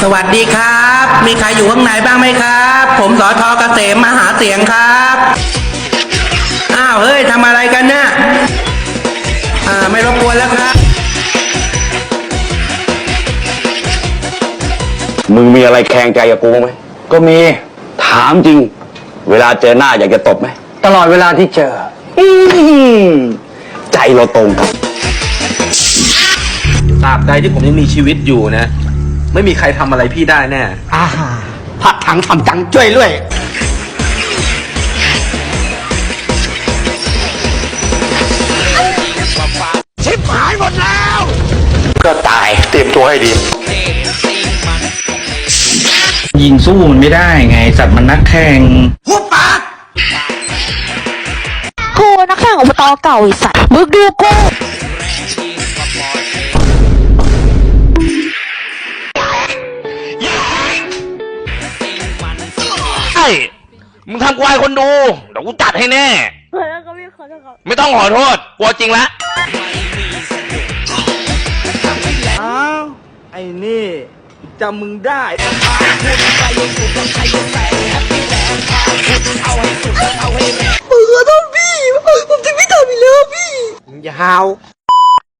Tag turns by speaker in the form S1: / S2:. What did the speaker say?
S1: สวัสดีครับ มีใครอยู่ข้างในบ้างไหมครับ ผมสท.เกษมมาหาเสียงครับอ้าวเฮ้ยทำอะไรกันเนี่ยไม่รบกวนแล้วครับ
S2: มึงมีอะไรแข่งใจกับกูไหมก็มีถามจริงเวลาเจอหน้าอยากจะตบไหมตลอดเวลาที่เจอใจเราตรงกัน
S3: ตราบใดที่ผมยังมีชีวิตอยู่นะไม่มีใครทำอะไรพี่ได้แน่
S1: ผัดถังทำจังช่วยด้วยชิบหายหมดแล้วก็ตายเตรียมตัวให้ดี
S4: ยิงสู้มันไม่ได้ไงสัตว์มันนักแข่ง
S1: หุบปาก
S5: กูนักแข่งอบต.เก่าไอ้สัตว์มึงดูกู
S6: ไอ้มึงทำกูอายคนดูเดี๋ยวกูจัดให้แน่ไม่ต้องขอโทษกลัวจริงละ
S3: อ้าวไอ้นี่จำมึงได้
S5: ขอโทษพี่ผมจะไม่ทำอีกแล้วพี่
S1: อย่าหาว